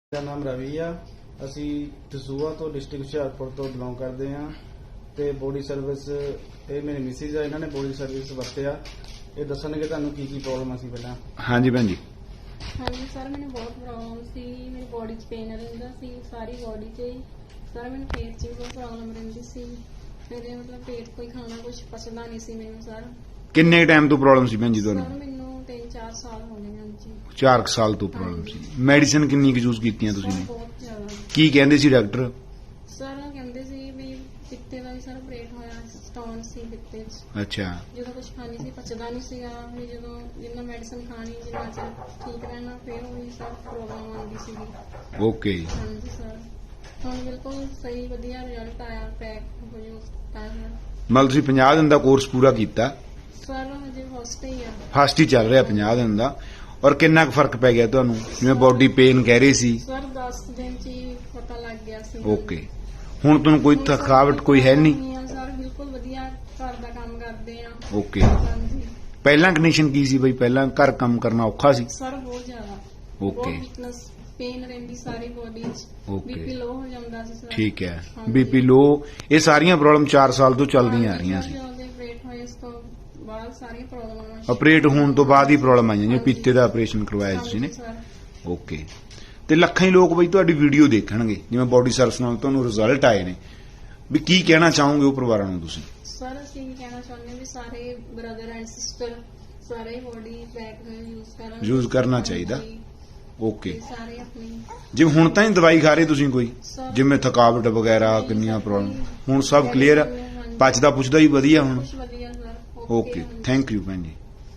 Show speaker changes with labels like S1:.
S1: ਮੇਰਾ ਨਾਮ ਰਵੀ ਆ। ਅਸੀਂ ਦਸੂਹਾ ਤੋਂ ਡਿਸਟ੍ਰਿਕਟ ਹੁਸ਼ਿਆਰਪੁਰ ਤੋਂ ਬਿਲੋਂਗ ਕਰਦੇ ਆ ਤੇ ਬੋਡੀ ਸਰਵਿਸ ਇਹ ਮੇਰੇ ਮਿਸਿਸ ਆ, ਇਹਨਾਂ ਨੇ ਬੋਡੀ ਸਰਵਿਸ ਵਰਤਿਆ। ਇਹ ਦੱਸਣਗੇ ਤੁਹਾਨੂੰ ਕੀ ਕੀ ਪ੍ਰੋਬਲਮ ਸੀ ਪਹਿਲਾਂ।
S2: ਹਾਂਜੀ ਭੈਣ ਜੀ।
S3: ਹਾਂਜੀ ਸਰ, ਮੈਨੂੰ ਬਹੁਤ ਪ੍ਰੋਬਲਮ ਸੀ। ਮੇਰੀ ਬੋਡੀ 'ਚ ਪੇਨ ਰਹਿੰਦਾ ਸੀ, ਸਾਰੀ ਬੋਡੀ 'ਚ ਹੀ। ਸਰ ਮੈਨੂੰ ਪੇਟ 'ਚ ਵੀ ਬਹੁਤ ਪ੍ਰੋਬਲਮ ਰਹਿੰਦੀ ਸੀ। ਮੇਰੇ ਮਤਲਬ ਪੇਟ ਕੋਈ ਖਾਣਾ ਕੁਝ ਪਚਦਾ ਨਹੀਂ ਸੀ ਮੈਨੂੰ ਸਰ।
S2: ਕਿੰਨੇ ਟਾਈਮ ਤੋਂ ਪ੍ਰੋਬਲਮ ਸੀ ਭੈਣ ਜੀ
S3: ਸਰ
S2: ਤੁਹਾਨੂੰ?
S3: ਮੈਨੂੰ 3-4 ਸਾਲ ਹੋ ਗਏ ਹਨ ਜੀ।
S2: 4 ਸਾਲ ਤੋਂ ਪ੍ਰੋਬਲਮ ਸੀ। ਮੈਡੀਸਿਨ ਕਿੰਨੀ ਕੁ ਯੂਜ਼ ਕੀਤੀਆਂ ਤੁਸੀਂ
S3: ਸਰ
S2: ਨੇ?
S3: ਬਹੁਤ ਜ਼ਿਆਦਾ।
S2: ਕੀ ਕਹਿੰਦੇ ਸੀ ਡਾਕਟਰ?
S3: ਸਰ ਕਹਿੰਦੇ ਸੀ ਵੀ ਪਿੱਤੇ ਦਾ ਵੀ ਸਰ ਆਪਰੇਟ ਹੋਇਆ, ਸਟੋਨ ਸੀ ਪਿੱਤੇ 'ਚ।
S2: ਅੱਛਾ।
S3: ਜਦੋਂ ਕੁਝ ਖਾਣੀ ਸੀ ਪਚਦਾ ਨਹੀਂ ਸੀਗਾ। ਵੀ ਜਦੋਂ ਜਿੰਨਾ ਮੈਡੀਸਨ ਖਾਣੀ ਜਿੰਨਾ ਚਿਰ ਠੀਕ ਰਹਿਣਾ ਫਿਰ ਉਹੀ ਸਰ ਪ੍ਰੋਬਲਮ ਆਉਂਦੀ ਸੀਗੀ।
S2: ਓਕੇ।
S3: ਹਾਂਜੀ ਸਰ, ਹੁਣ ਬਿਲਕੁਲ ਸਹੀ ਵਧੀਆ ਰਿਜ਼ਲਟ ਆਇਆ। ਪੈਕ ਹੋ ਜੋ
S2: ਮਤਲਬ ਤੁਸੀਂ 50 ਦਿਨ ਦਾ ਕੋਰਸ ਪੂਰਾ ਕੀਤਾ?
S3: ਸਰ ਹਜੇ ਫਸਟ ਹੀ ਆ।
S2: ਫਸਟ ਹੀ ਚੱਲ ਰਿਹਾ 50 ਦਿਨ ਦਾ। ਔਰ ਕਿੰਨਾ ਕੁ ਫਰਕ ਪੈ ਗਿਆ ਤੁਹਾਨੂੰ? ਜਿਵੇਂ ਬੋਡੀ ਪੇਨ ਕਹਿ ਰਹੇ ਸੀ।
S3: ਸਰ 10 ਦਿਨ ਚ ਹੀ ਪਤਾ ਲੱਗ ਗਿਆ ਸੀ।
S2: ਓਕੇ। ਹੁਣ ਤੁਹਾਨੂੰ ਕੋਈ ਥਕਾਵਟ ਕੋਈ ਹੈ ਨਹੀਂ?
S3: ਸਰ ਬਿਲਕੁਲ ਵਧੀਆ ਘਰ ਦਾ ਕੰਮ ਕਰਦੇ ਆ।
S2: ਓਕੇ।
S3: ਹਾਂਜੀ
S2: ਪਹਿਲਾਂ ਕੰਡੀਸ਼ਨ ਕੀ ਸੀ ਬਈ? ਪਹਿਲਾਂ ਘਰ ਕੰਮ ਕਰਨਾ ਔਖਾ ਸੀ?
S3: ਸਰ ਬਹੁਤ ਜ਼ਿਆਦਾ।
S2: ਓਕੇ।
S3: ਵੀਕਨੈਸ ਪੇਨ ਰਹਿੰਦੀ ਸਾਰੀ ਬੋਡੀ 'ਚ।
S2: ਓਕੇ।
S3: ਬੀਪੀ ਲੋ ਹੋ ਜਾਂਦਾ ਸੀ ਸਰ।
S2: ਠੀਕ ਹੈ।
S3: ਹਾਂਜੀ।
S2: ਬੀਪੀ ਲੋ, ਇਹ ਸਾਰੀਆਂ ਪ੍ਰੋਬਲਮ 4 ਸਾਲ ਤੋਂ ਚੱਲਦੀਆਂ ਆ ਰਹੀਆਂ ਸੀ।
S3: ਜਦੋਂ ਦੇ ਆਪਰੇਟ ਹੋਏ ਇਸ ਤੋਂ ਬਾਅਦ ਸਾਰੀਆਂ ਪ੍ਰੋਬਲਮਾਂ
S2: ਆਪਰੇਟ ਹੋਣ ਤੋਂ ਬਾਅਦ ਹੀ ਪ੍ਰੋਬਲਮ ਆਈਆਂ ਜਿਵੇਂ ਪੀਤੇ ਦਾ ਆਪਰੇਸ਼ਨ ਕਰਵਾਇਆ ਤੁਸੀਂ ਨੇ?
S3: Sir
S2: okay. ਤੇ ਲੱਖਾਂ ਹੀ ਲੋਕ ਬਈ ਤੁਹਾਡੀ ਵੀਡੀਓ ਦੇਖਣਗੇ ਜਿਵੇਂ ਬੋਡੀ ਸਰਵਿਸ ਨਾਲ ਤੁਹਾਨੂੰ ਰਿਜ਼ਲਟ ਆਏ ਨੇ, ਵੀ ਕੀ ਕਹਿਣਾ ਚਾਹੋਗੇ ਉਹ ਪਰਿਵਾਰਾਂ ਨੂੰ ਤੁਸੀਂ?
S3: ਸਰ ਅਸੀਂ ਇਹ ਕਹਿਣਾ ਚਾਹੁੰਦੇ ਹਾਂ ਵੀ ਸਾਰੇ ਬ੍ਰਦਰ ਐਂਡ ਸਿਸਟਰ ਸਾਰੇ ਬੋਡੀ ਪੈਕ ਯੂਜ਼ ਕਰਨਾ
S2: ਚਾਹੀਦਾ।
S3: ਹਾਂਜੀ।
S2: ਓਕੇ।
S3: ਤੇ ਸਾਰੇ ਆਪਣੀ
S2: ਜਿਵੇਂ ਹੁਣ ਤਾਂ ਹੀ ਦਵਾਈ ਖਾ ਰਹੇ ਤੁਸੀਂ ਕੋਈ,
S3: ਸਰ
S2: ਜਿਵੇਂ ਥਕਾਵਟ ਵਗੈਰਾ
S3: ਨਹੀਂ
S2: ਕਿੰਨੀਆਂ
S3: ਸਰ,
S2: ਪ੍ਰੋਬਲਮ?
S3: ਕੋਈ
S2: ਹੁਣ ਸਭ ਕਲੀਅਰ ਆ?
S3: ਹਾਂਜੀ।
S2: ਪਚਦਾ ਪੁੱਛਦਾ ਹੀ ਵਧੀਆ ਹੁਣ?
S3: ਕੁਛ ਵਧੀਆ ਸਰ।
S2: ਓਕੇ। ਥੈਂਕ ਯੂ ਭੈਣ ਜੀ।